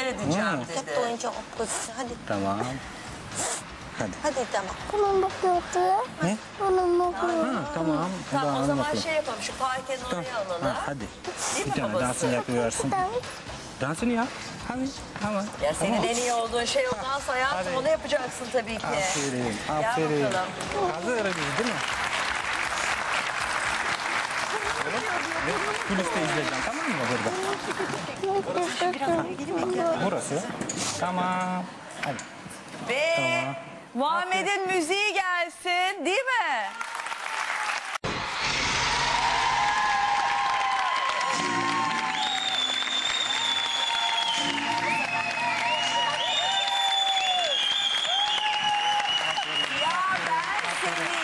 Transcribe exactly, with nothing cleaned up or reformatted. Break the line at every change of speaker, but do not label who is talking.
seyredeceğim
Hmm.
dedi.
Tek oyuncak okul. Hadi.
Tamam. Hadi.
Hadi tamam.
Bunun bakıyordu.
Ne?
Bunun bakıyordu.
Ha, tamam.
Tamam o
Hadi
zaman
bakalım.
şey yapalım, şu parkenin oraya alalım.
Ha, hadi.
Değil
Bir
mi
tane
babası?
dansını yapıversin. Dansını yap. Hadi. Tamam.
Ya senin en iyi olduğun şey o dans hayatım,
Hadi.
onu yapacaksın tabii ki.
Aferin.
Gel
Aferin.
bakalım.
Hazırız değil mi? Kuliste izleyeceğim, tamam mı burada? Burası. Tamam. Hadi.
Ve
Tamam.
Muhammed'in müziği gelsin, değil mi? Ya ben seni